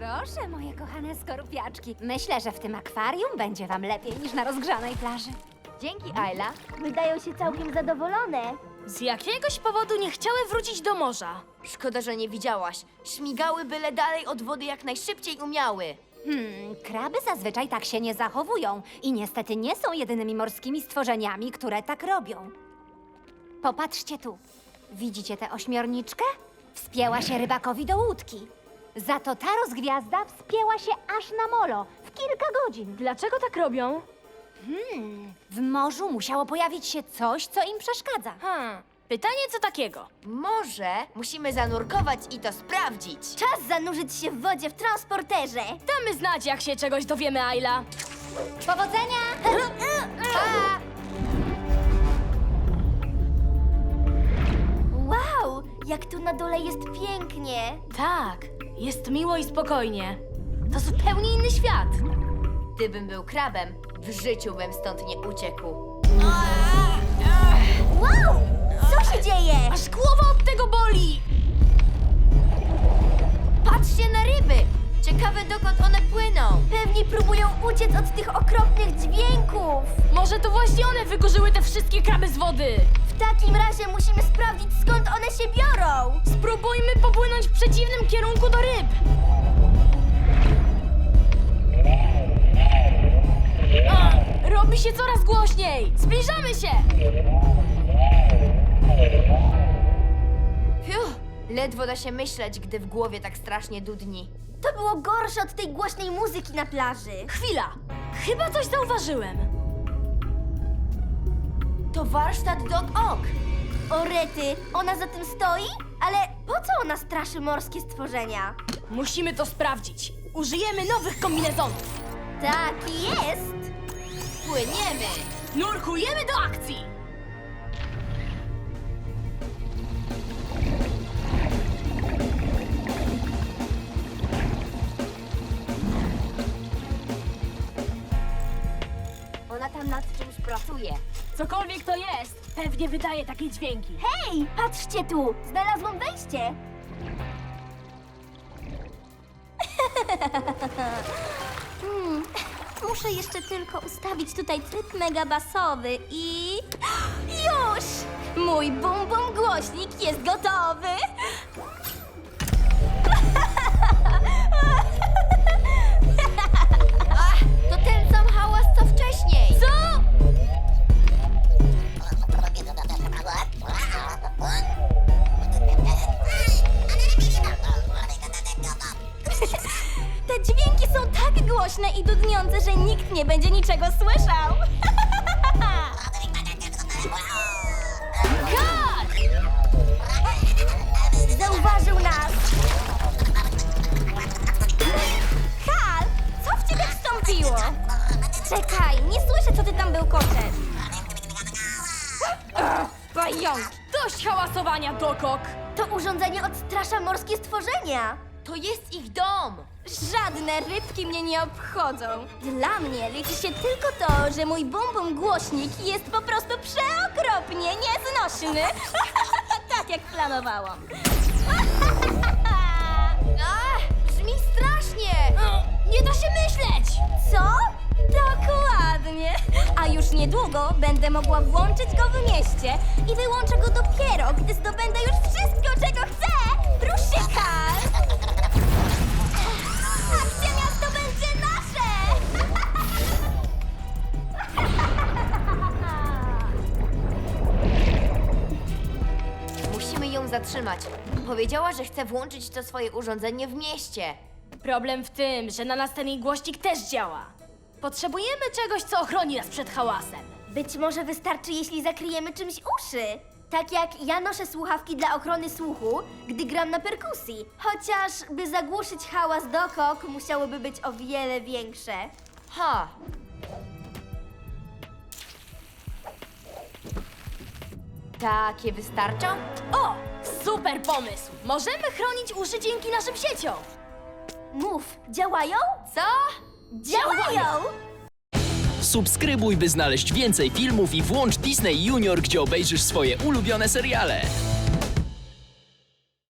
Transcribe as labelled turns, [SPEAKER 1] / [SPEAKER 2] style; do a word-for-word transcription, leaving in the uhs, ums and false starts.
[SPEAKER 1] Proszę, moje kochane skorupiaczki. Myślę, że w tym akwarium będzie wam lepiej niż na rozgrzanej plaży.
[SPEAKER 2] Dzięki, Ayla.
[SPEAKER 3] Wydają się całkiem zadowolone.
[SPEAKER 4] Z jakiegoś powodu nie chciały wrócić do morza.
[SPEAKER 2] Szkoda, że nie widziałaś. Śmigały byle dalej od wody jak najszybciej umiały.
[SPEAKER 1] Hmm, kraby zazwyczaj tak się nie zachowują i niestety nie są jedynymi morskimi stworzeniami, które tak robią. Popatrzcie tu. Widzicie tę ośmiorniczkę? Wspięła się rybakowi do łódki. Za to ta rozgwiazda wspięła się aż na molo w kilka godzin.
[SPEAKER 4] Dlaczego tak robią?
[SPEAKER 1] W morzu musiało pojawić się coś, co im przeszkadza.
[SPEAKER 4] Hmm, pytanie co takiego?
[SPEAKER 2] Może musimy zanurkować i to sprawdzić.
[SPEAKER 3] Czas zanurzyć się w wodzie w transporterze.
[SPEAKER 4] Damy znać, jak się czegoś dowiemy, Ayla.
[SPEAKER 1] Powodzenia!
[SPEAKER 3] Wow, jak tu na dole jest pięknie.
[SPEAKER 4] Tak, jest miło i spokojnie. To zupełnie inny świat.
[SPEAKER 2] Gdybym był krabem, w życiu bym stąd nie uciekł.
[SPEAKER 3] Wow, co się dzieje?
[SPEAKER 4] Aż głowa od tego boli!
[SPEAKER 2] Patrzcie na ryby! Ciekawe, dokąd one płyną.
[SPEAKER 3] Pewnie próbują uciec od tych okropnych dźwięków.
[SPEAKER 4] Może to właśnie one wykurzyły te wszystkie kraby z wody.
[SPEAKER 3] W takim razie musimy sprawdzić, skąd one się biorą.
[SPEAKER 4] Spróbujmy popłynąć w przeciwnym kierunku do ryb. A, robi się coraz głośniej. Zbliżamy się.
[SPEAKER 2] Fiu, ledwo da się myśleć, gdy w głowie tak strasznie dudni.
[SPEAKER 3] To było gorsze od tej głośnej muzyki na plaży.
[SPEAKER 4] Chwila, chyba coś zauważyłem.
[SPEAKER 2] To warsztat Dog Ock.
[SPEAKER 3] O rety, ona za tym stoi? Ale po co ona straszy morskie stworzenia?
[SPEAKER 4] Musimy to sprawdzić. Użyjemy nowych kombinezonów.
[SPEAKER 3] Tak jest.
[SPEAKER 2] Płyniemy!
[SPEAKER 4] Nurkujemy do akcji.
[SPEAKER 2] Ona tam nad czymś pracuje.
[SPEAKER 4] Cokolwiek to jest, pewnie wydaje takie dźwięki.
[SPEAKER 3] Hej, patrzcie tu, znalazłam wejście. hmm, muszę jeszcze tylko ustawić tutaj tryb megabasowy i... Już! Mój bum bum głośnik jest gotowy.
[SPEAKER 2] Ach, to ten sam hałas, co wcześniej.
[SPEAKER 3] Co? Te dźwięki są tak głośne i dudniące, że nikt nie będzie niczego słyszał.
[SPEAKER 4] Kat!
[SPEAKER 3] Zauważył nas. Hal, co w ciebie wstąpiło? Czekaj, nie słyszę, co ty tam bełkoczesz.
[SPEAKER 4] Pająki! Dość hałasowania, Dokok!
[SPEAKER 3] To urządzenie odstrasza morskie stworzenia.
[SPEAKER 2] To jest ich dom.
[SPEAKER 3] Żadne rybki mnie nie obchodzą. Dla mnie liczy się tylko to, że mój bum bum głośnik jest po prostu przeokropnie nieznośny. Tak jak planowałam.
[SPEAKER 2] Ach, brzmi strasznie.
[SPEAKER 4] Nie da się myśleć!
[SPEAKER 3] Co? Dokładnie. A już niedługo będę mogła włączyć go w mieście i wyłączę go dopiero, gdy zdobędę już wszystko, czego chcę. Rusz się, Karl! Akcja miasto będzie nasze!
[SPEAKER 2] Musimy ją zatrzymać. Powiedziała, że chce włączyć to swoje urządzenie w mieście.
[SPEAKER 4] Problem w tym, że na nas ten jej głośnik też działa. Potrzebujemy czegoś, co ochroni nas przed hałasem.
[SPEAKER 3] Być może wystarczy, jeśli zakryjemy czymś uszy. Tak jak ja noszę słuchawki dla ochrony słuchu, gdy gram na perkusji. Chociaż, by zagłuszyć hałas dokok, musiałoby być o wiele większe.
[SPEAKER 2] Ha! Takie wystarczą?
[SPEAKER 4] O! Super pomysł! Możemy chronić uszy dzięki naszym sieciom.
[SPEAKER 3] Mów, działają?
[SPEAKER 2] Co?
[SPEAKER 3] Działają!
[SPEAKER 5] Subskrybuj, by znaleźć więcej filmów i włącz Disney Junior, gdzie obejrzysz swoje ulubione seriale.